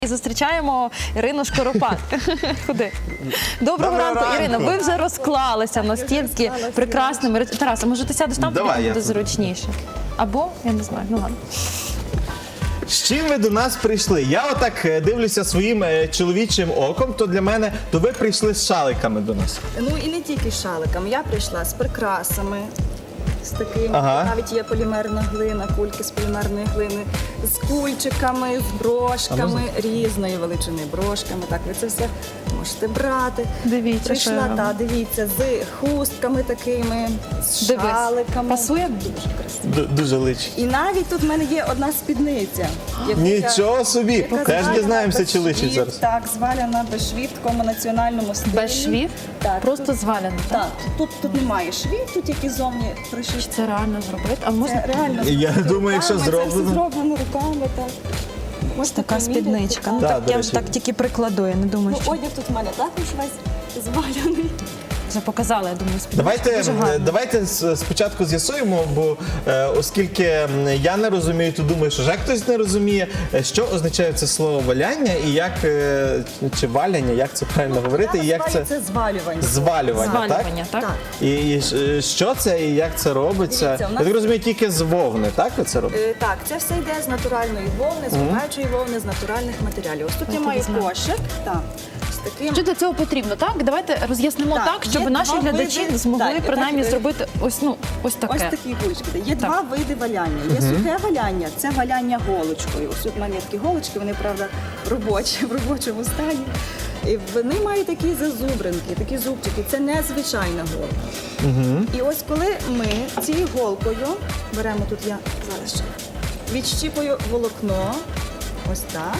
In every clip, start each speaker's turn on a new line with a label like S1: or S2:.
S1: І зустрічаємо Ірину Шкоропад. Ходи. Доброго ранку, Ірина. Ви вже розклалися настільки прекрасними. Тарас, може ти сядеш там, тобі буде зручніше? Або, я не знаю, ну ладно.
S2: З чим ви до нас прийшли? Я отак дивлюся своїм чоловічим оком, то для мене, то ви прийшли з шаликами до нас.
S3: Ну і не тільки з шаликами. Я прийшла з прикрасами, з таким, навіть є полімерна глина, кульки з полімерної глини, з кульчиками, з брошками, різної величини брошками. Так, ви це все можете брати.
S1: Дивіться,
S3: прийшла,
S1: що
S3: та, дивіться, з хустками такими, з шаликами.
S1: Пасує?
S3: Дуже красиво.
S2: Дуже личить.
S3: І навіть тут в мене є одна спідниця. яку
S2: Нічого собі!
S3: яка
S2: Теж
S3: зваляна
S2: дізнаємося,
S3: без
S2: чи личить
S3: швів.
S2: зараз.
S3: Так, зваляна без швів в такому національному стилі.
S1: Без швів?
S3: Так.
S1: Просто звалено, так?
S3: Так, тут немає швів, тут тільки зовні пришиті.
S1: Це реально зробити? А можна?
S3: Це реально
S2: Я
S3: зроблено
S2: думаю, якщо
S3: руками, це все
S2: зроблено.
S3: зроблено руками, так.
S1: Ось така
S3: поміряти,
S1: спідничка. Ну
S3: так.
S1: так,
S2: до
S1: я
S2: речі.
S1: так тільки прикладу, я не думаю,
S3: Ну,
S1: що
S3: одяг тут в мене також весь зваляний.
S1: вже показала, я думаю, спідничку. Дуже гарно.
S2: Давайте спочатку з'ясуємо, бо оскільки я не розумію, то думаю, що вже хтось не розуміє, що означає це слово валяння і як, чи валяння, як це правильно говорити, і як це
S3: Це звалювання.
S2: звалювання, так?
S1: Звалювання, так?
S3: Так.
S2: І що це і як це робиться?
S3: Дивіться, у нас-
S2: Я так розумію, тільки з вовни, так ви це робите?
S3: Так, це все йде з натуральної вовни, з гумаючої вовни, з натуральних матеріалів. Ось тут я
S1: Я
S3: маю
S1: тобі знаю.
S3: кошик, так, з таким.
S1: Що для цього потрібно, так? Давайте роз'яснимо
S3: Так,
S1: так, щоб
S3: є
S1: наші
S3: два
S1: глядачі
S3: види.
S1: змогли
S3: Так,
S1: принаймні
S3: так,
S1: зробити ось таке.
S3: Ось такі гулочки. Є два види валяння. Є сухе валяння, це валяння голочкою. Ось тут в мене є такі голочки, вони, правда, робочі, в робочому стані. І вони мають такі зазубринки, такі зубчики. Це незвичайна голка. І ось коли ми цією голкою беремо, тут я зараз ще відщіпую волокно, ось так.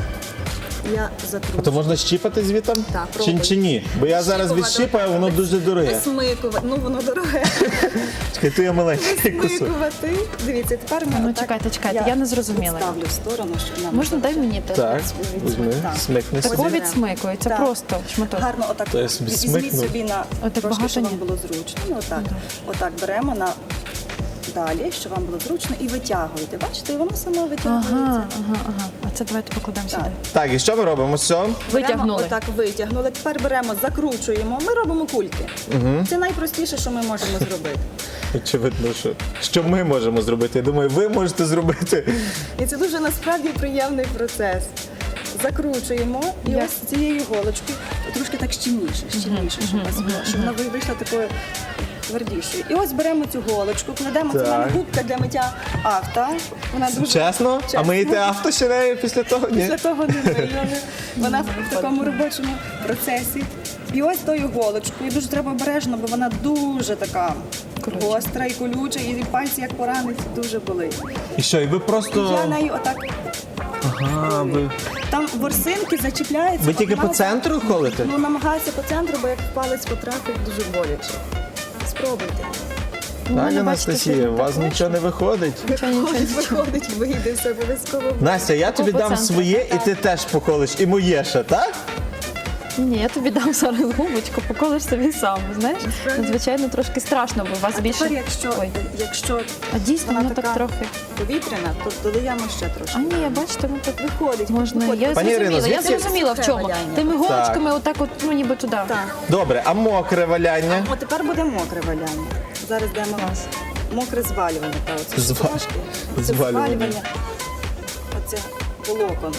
S3: Я закручую.
S2: То можна щіпати звітом?
S3: Так,
S2: чи
S3: пробуй.
S2: ні? Бо я зараз
S3: Щіпувати.
S2: відщіпаю, воно дуже дороге.
S3: Висмикувати. Ну, воно дороге.
S2: Чекай, то я маленький кусок.
S3: Висмикувати. Дивіться, тепер ми
S1: Ну,
S3: отак,
S1: чекайте, я не зрозуміла.
S3: Ставлю в сторону, щоб нам
S1: Можна дай мені те?
S2: Так,
S3: відсмик-
S2: візьми,
S3: так.
S2: смикни
S1: Тако
S2: собі.
S1: відсмикується,
S3: Так.
S1: просто шматок.
S3: Гарно отак.
S2: То я собі
S3: Візьміть
S2: смикну.
S3: собі на
S1: Отак
S3: трошки,
S1: багато
S3: щоб вам
S1: ні?
S3: було зручно. Ну, отак. Отак беремо на далі, щоб вам було зручно, і витягуєте. Бачите, і воно само витягується.
S1: Ага. А це давайте покладемо
S3: Так.
S1: сюди.
S2: Так, і що ми робимо? Все?
S1: Витягнули.
S3: Беремо, отак витягнули. Тепер беремо, закручуємо. Ми робимо кульки. Це найпростіше, що ми можемо зробити.
S2: Очевидно, що ми можемо зробити. Я думаю, ви можете зробити.
S3: І це дуже насправді приємний процес. Закручуємо і
S1: Як?
S3: ось цією голочкою трошки так щільніше, щоб у вас було, щоб вона вийшла такою твердішою. І ось беремо цю голочку, кладемо, це в мене
S2: Так.
S3: губка для миття авто. Вона дуже
S2: Чесно? А миєте авто ще нею після того? Ні?
S3: після того не мию. Вона в такому робочому процесі. І ось тою голочкою дуже треба обережно, бо вона дуже така гостра і колюча, і пальці як поранить, дуже болить.
S2: І що, і ви
S3: Я
S2: просто...
S3: нею отак.
S2: Ага,
S3: Там ворсинки зачіпляються.
S2: Ви тільки по
S3: одна-
S2: центру ходите?
S3: Ну, намагаюся по центру, бо як в палець потрапить, дуже боляче. Спробуйте.
S2: Так,
S1: бачите,
S2: Анастасія,
S1: що
S2: у вас
S1: так
S2: нічого не виходить.
S3: Виходить, вийде все обов'язково.
S2: Настя, я тобі
S1: по
S2: дам
S1: центру.
S2: своє, і ти теж поколиш. І моє ще, так?
S1: Ні, я тобі дам зараз губочку, поколиш собі сам, знаєш? Звичайно, трошки страшно, бо у вас
S3: А
S1: більше...
S3: тепер,
S1: Ой.
S3: якщо
S1: А дійсно,
S3: вона
S1: воно так
S3: така
S1: трохи...
S3: повітряна, то додаємо ще трошки.
S1: А ні, бачите, ну так
S3: Виходить.
S1: можна.
S3: виходить.
S1: Я
S2: Пані Ірино,
S1: зрозуміла,
S2: звідки-
S1: я зрозуміла в чому.
S3: Валяння.
S1: Тими голочками отак от, ну ніби туди.
S3: Так.
S2: Добре, а мокре валяння?
S3: От тепер буде мокре валяння. Зараз даємо
S1: Клас.
S3: мокре звалювання. Та, оце
S2: Зва-
S3: трошки. Оце
S2: звалювання.
S3: Оце волокон.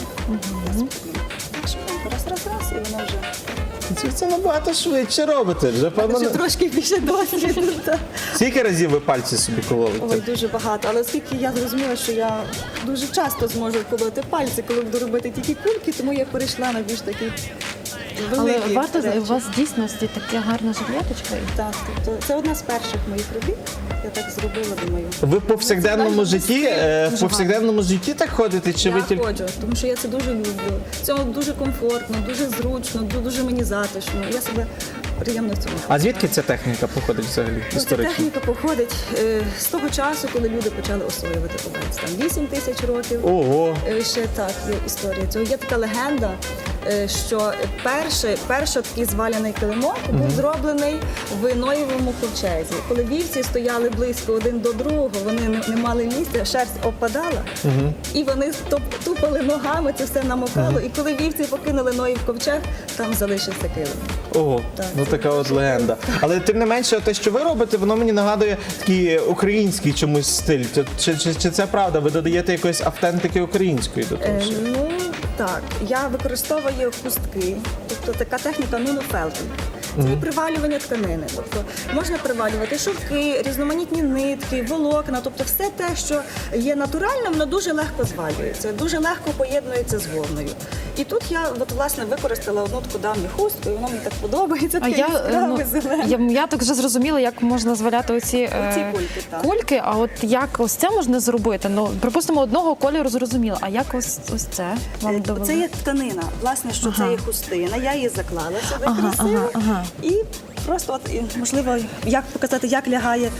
S3: Раз, і воно вже...
S2: Це набагато швидше робите. Вже, певно,
S3: Вже трошки більше досвіду. так.
S2: скільки разів ви пальці собі
S3: Ой,
S2: кололите?
S3: дуже багато. Але оскільки я зрозуміла, що я дуже часто зможу колоти пальці, коли буду робити тільки кульки, тому я перейшла на більш такі
S1: Але
S3: великі
S1: варто,
S3: речі.
S1: у вас дійсно така гарна жилеточка.
S3: Так, тобто це одна з перших моїх робіт. Я так зробила, думаю.
S2: Ви в повсякденному
S3: Це
S2: житті, в повсякденному житті так ходите, чи ви
S3: Я
S2: тільки...
S3: ходжу, тому що я це дуже люблю. Це дуже комфортно, дуже зручно, дуже мені затишно. Я себе приємно в цьому.
S2: А звідки ця техніка походить взагалі
S3: Ця
S2: історично?
S3: техніка походить з того часу, коли люди почали освоювати овець. Там 8 тисяч років.
S2: Ого!
S3: Ще так є історія цього. Є така легенда. що перший такий зваляний килимок був зроблений в Ноєвому ковчезі. Коли вівці стояли близько один до другого, вони не мали місця, шерсть опадала, і вони тупали ногами, це все намокало. І коли вівці покинули Ноїв ковчег, там залишився килим.
S2: Ого,
S3: Так,
S2: ну
S3: це
S2: така от легенда. Але тим не менше, те, що ви робите, воно мені нагадує такий український чомусь стиль. Чи це правда? Ви додаєте якоїсь автентики української до того?
S3: Ну так, я використовую хустки, тобто така техніка нунофелтинг. Це привалювання тканини. Тобто можна привалювати шовки, різноманітні нитки, волокна, тобто все те, що є натуральним, воно дуже легко звалюється, дуже легко поєднується з вовною. І тут я власне використала одну таку давню хустку, і воно мені так подобається, таке яскраве, зелене.
S1: Я так вже зрозуміла, як можна зваляти оці
S3: кульки, так.
S1: кульки, а от як ось це можна зробити? Ну, припустимо, одного кольору зрозуміло, а як ось це вам довели?
S3: Це є тканина, власне, що це є хустина, я її заклала сюди
S1: Ага,
S3: красиво.
S1: ага.
S3: І просто, от, і, можливо, як показати, як лягає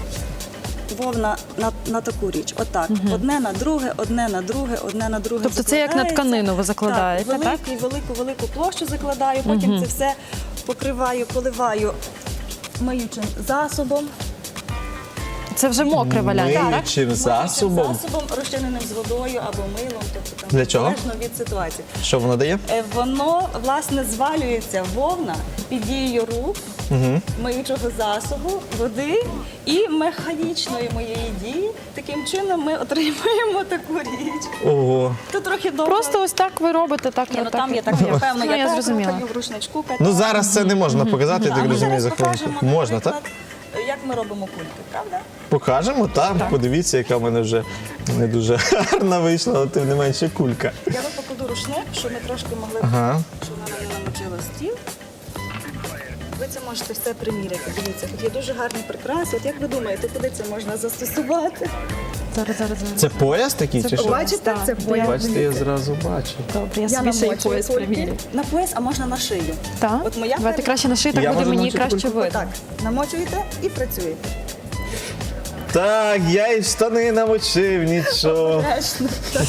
S3: вовна на таку річ. Отак. Одне на друге, одне на друге, одне на друге.
S1: Тобто це як на тканину ви закладаєте, так?
S3: Велику площу закладаю, потім це все покриваю, поливаю миючим засобом.
S1: Це вже мокре валяння, так?
S2: Миючим засобом?
S3: Миючим засобом, розчиненим з водою або милом. Тобто, там,
S2: Для чого?
S3: залежно від ситуації.
S2: Що воно дає?
S3: Воно, власне, звалюється вовна під дією рук, миючого засобу, води і механічної моєї дії. Таким чином ми отримуємо таку річ.
S2: Ого.
S3: Тут трохи довго.
S1: Просто ось так ви робите, так?
S3: Ні, ну,
S1: так,
S3: там є так, певно,
S1: Ну, я
S3: я
S1: зрозуміла.
S3: в ручничку катаю.
S2: Ну зараз це не можна показати, я
S3: А
S2: так
S3: ми
S2: розумію,
S3: зараз
S2: за хвилинку.
S3: покажемо,
S2: Можна, так?
S3: наприклад, як ми робимо кульки, правда?
S2: Покажемо, так. Подивіться, яка в мене вже не дуже гарна вийшла, але тим не менше кулька.
S3: Я вам покладу рушник, щоб ми трошки могли,
S2: Ага.
S3: щоб вона не намочила стіл. Ви це можете все приміряти. Дивіться, тут є дуже гарні прикраси. От як ви думаєте, куди це можна застосувати?
S1: Зараз.
S2: Це пояс такий чи що?
S3: Бачите,
S1: Так,
S3: це пояс.
S2: Бачите, я зразу бачу.
S1: Добре, я
S3: Я
S1: собі ще й
S3: намочую
S1: пояс
S3: кульки.
S1: примірю.
S3: На пояс, а можна на шию.
S1: Так?
S3: От моя
S1: Давайте краще на шиї, так
S2: Я
S1: буде
S2: можу
S1: мені
S2: намочити
S1: краще
S2: кульку?
S1: видно.
S3: Так, намочуєте і працюєте.
S2: Так, я і штани намочив, нічого.
S3: Обережно. Так.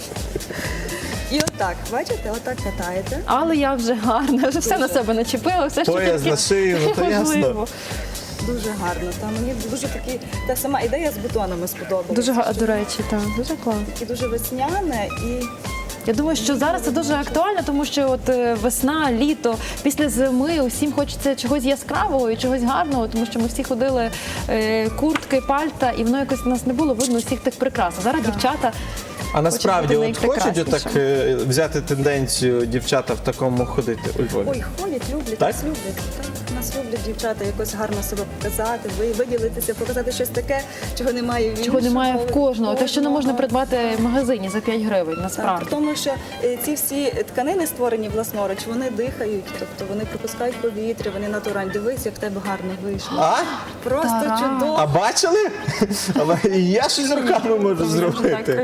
S3: І отак, бачите, отак катаєте.
S1: Але я вже гарна, вже все на себе начепила, все, що
S2: Пояс
S1: тільки
S2: на шию, ну то ясно.
S1: можливо.
S3: Дуже гарно. Та мені дуже такі, та сама ідея з бутонами сподобалася.
S1: Дуже
S3: що
S1: до речі, так, дуже класно.
S3: І дуже весняне і
S1: Я думаю, що зараз це дуже актуально, тому що от весна, літо, після зими усім хочеться чогось яскравого і чогось гарного, тому що ми всі ходили куртки, пальта, і воно якось у нас не було видно всіх тих прикрас. А зараз дівчата.
S2: А насправді
S1: бути
S2: от хочуть
S1: найпрекраснішим.
S2: отак взяти тенденцію дівчата в такому ходити у Львові?
S3: ой, ходять, люблять,
S2: Так?
S3: нас люблять. Так, нас люблять дівчата якось гарно себе показати, виділитися, показати щось таке, чого немає в
S1: Чого немає
S3: іншому,
S1: в кожного, те, що не можна
S3: кожного.
S1: придбати в магазині за 5 гривень,
S3: Так,
S1: насправді.
S3: при тому, що ці всі тканини створені власноруч, вони дихають, тобто вони пропускають повітря, вони натуральні. Дивись, як в тебе гарно вийшло.
S2: А?
S3: Просто
S1: Тарас.
S3: чудово.
S2: А бачили? Але і я щось руками можу зробити.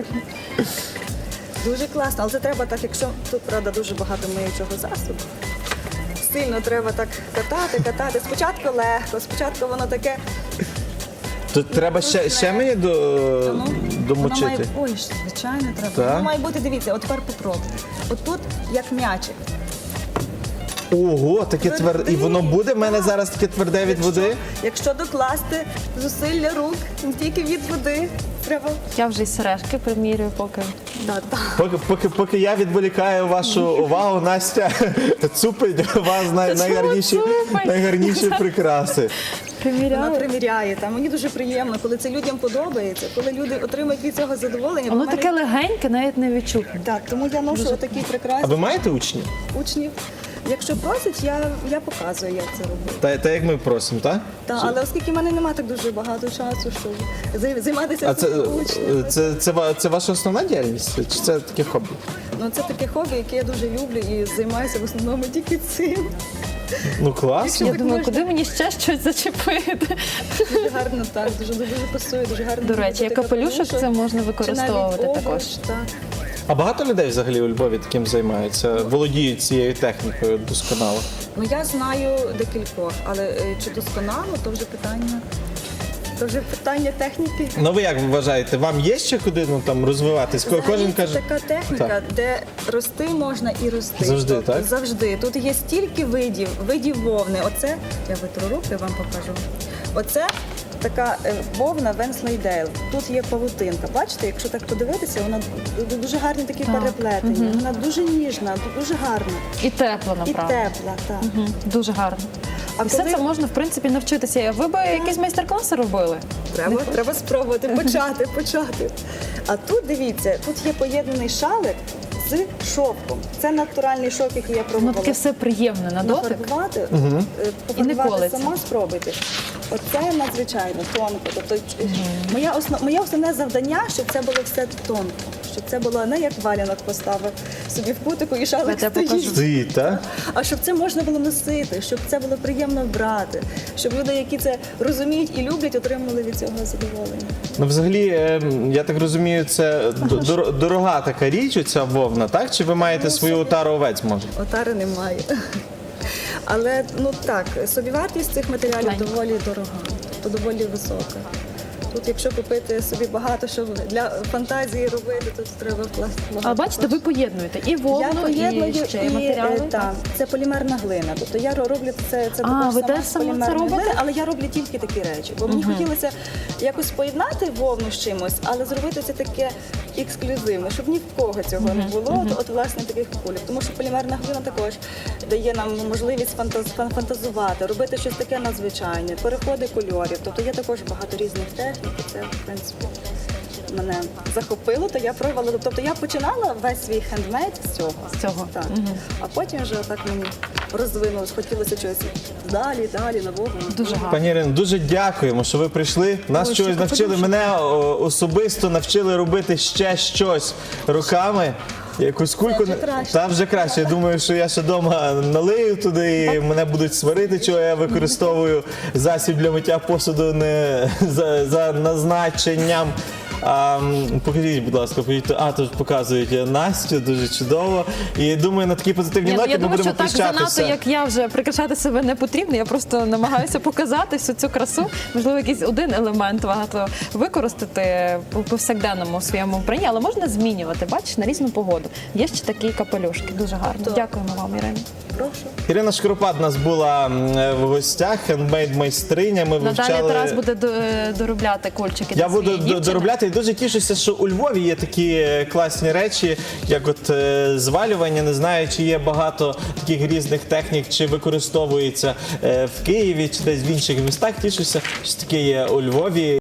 S3: Дуже класно, але це треба так, якщо тут, правда, дуже багато миючого засобу. Сильно треба так катати. Спочатку легко, спочатку воно таке.
S2: Тут треба ще мені
S3: Воно має,
S2: домочити.
S3: ой, звичайно, треба.
S2: Так?
S3: Воно має бути, дивіться, от тепер попробуйте. От тут як м'ячик.
S2: Ого, таке тверде. І воно буде в мене
S3: Так.
S2: зараз таке тверде від води?
S3: Якщо докласти зусилля рук, не тільки від води, треба.
S1: Я вже й сережки примірюю, поки.
S2: Поки я відволікаю вашу увагу, Настя цупить у вас
S1: цупить?
S2: найгарніші прикраси.
S3: Вона
S1: Приміряю.
S3: приміряє. Там мені дуже приємно, коли це людям подобається, коли люди отримують від цього задоволення.
S1: Воно
S3: Бо в мене-
S1: таке легеньке, навіть не відчутне.
S3: Так, тому я ношу отакі
S2: А
S3: прекрасні
S2: ви маєте учнів?
S3: учнів. Якщо просять, я показую, як це робити.
S2: Та як ми просимо, так?
S3: Та, але оскільки в мене немає так дуже багато часу, щоб займатися
S2: А це,
S3: учнями.
S2: це ваша основна діяльність? Чи це таке хобі?
S3: Ну, це таке хобі, яке я дуже люблю і займаюся в основному тільки цим.
S2: Ну класно.
S1: Я
S3: так
S1: думаю,
S3: можна.
S1: куди мені ще щось зачепити?
S3: Дуже гарно, так, дуже пасує, дуже гарно.
S1: До речі, як
S3: робити
S1: капелюшок це можна
S3: чи навіть
S1: використовувати
S3: обруч,
S1: також.
S3: Так.
S2: А багато людей взагалі у Львові таким займаються, володіють цією технікою досконало?
S3: Ну, я знаю декількох, але чи досконало, то вже питання. То вже питання техніки.
S2: Ну ви як вважаєте, вам є ще куди розвиватись? Кожен
S3: Взагалі,
S2: каже,
S3: це така техніка, де рости можна і рости.
S2: Завжди,
S3: Тобто,
S2: так?
S3: Завжди. Тут є стільки видів вовни. Оце, я витру руки, вам покажу. Оце така вовна Венслейдейл. Тут є павутинка. Бачите, якщо так подивитися, вона дуже гарні такі переплетення. Вона дуже ніжна, дуже гарна.
S1: І тепла,
S3: І
S1: направду.
S3: тепла, так.
S1: Дуже гарно.
S3: А
S1: І все
S3: коли-
S1: це можна, в принципі, навчитися. Ви би якісь майстер-класи робили?
S3: Треба спробувати, почати. А тут, дивіться, тут є поєднаний шалик з шовком. Це натуральний шовк, який я
S1: Воно
S3: пробувала.
S1: таке все приємне на дотик.
S3: Нафарбувати,
S1: І не колиться.
S3: сама спробуйте. Оце надзвичайно тонко. Тобто моє основне завдання, щоб це було все тонко. Щоб це було не як валянок поставив собі в кутику і шалик
S1: Я тебе
S3: стоїть.
S2: стоїть, так?
S3: А щоб це можна було носити, щоб це було приємно брати, щоб люди, які це розуміють і люблять, отримали від цього задоволення.
S2: Ну, взагалі, я так розумію, це дорога така річ, оця вовна, так? Чи ви маєте свою отару овець, може?
S3: Отари немає. Але ну так, собівартість цих матеріалів доволі дорога, тобто доволі висока. Тут, якщо купити собі багато, що для фантазії робити, то треба вкласти багато.
S1: А бачите, ви поєднуєте і
S3: Я
S1: вовну,
S3: поєдную
S1: і ще матеріали.
S3: так, це полімерна глина. Тобто я роблю це
S1: А,
S3: також
S1: ви
S3: сама
S1: теж
S3: з
S1: сама це
S3: полімерної
S1: робите?
S3: глини, але я роблю тільки такі речі. Бо мені хотілося якось поєднати вовну з чимось, але зробити це таке ексклюзивне, щоб ні в кого цього не було. От власне таких кульок. Тому що полімерна глина також дає нам можливість фантазувати, робити щось таке надзвичайне, переходи кольорів. Тобто є також багато різних технік. І це, в принципі, мене захопило, то я пробувала. Тобто я починала весь свій хендмейд з цього.
S1: З цього.
S3: Так. А потім вже так мені розвинулось, хотілося чогось далі, нового.
S1: Дуже гарно.
S2: Пані Ірино, дуже дякуємо, що ви прийшли. Нас
S1: Ой,
S2: чогось
S1: ще
S2: навчили,
S1: подумаю.
S2: мене особисто навчили робити ще щось руками. Якусь кульку.
S3: вже краще.
S2: Та вже краще. Я думаю, що я ще вдома налию туди і мене будуть сварити, чого я використовую засіб для миття посуду не за назначенням. Покажіть, будь ласка, тут показують Настю, дуже чудово. І думаю, на такій позитивній
S1: Ні,
S2: ноті
S1: я
S2: ми
S1: думаю,
S2: будемо
S1: що так занадто,
S2: прощатися.
S1: як я вже прикрашати себе не потрібно. Я просто намагаюся показати всю цю красу. Можливо, якийсь один елемент варто використати у повсякденному своєму вбранні, але можна змінювати, бачиш, на різну погоду. Є ще такі капелюшки. Дуже гарно. Дякуємо вам, Ірина.
S3: Прошу.
S2: Ірина Шкоропад у нас була в гостях, хендмейд-майстриня. Ми
S1: Надалі
S2: вивчали...
S1: Тарас буде доробляти кульчики.
S2: Я
S1: для
S2: буду
S1: своєї дівчини.
S2: доробляти і дуже тішуся, що у Львові є такі класні речі, як от звалювання. Не знаю, чи є багато таких різних технік, чи використовується в Києві, чи десь в інших містах. Тішуся, що таке є у Львові.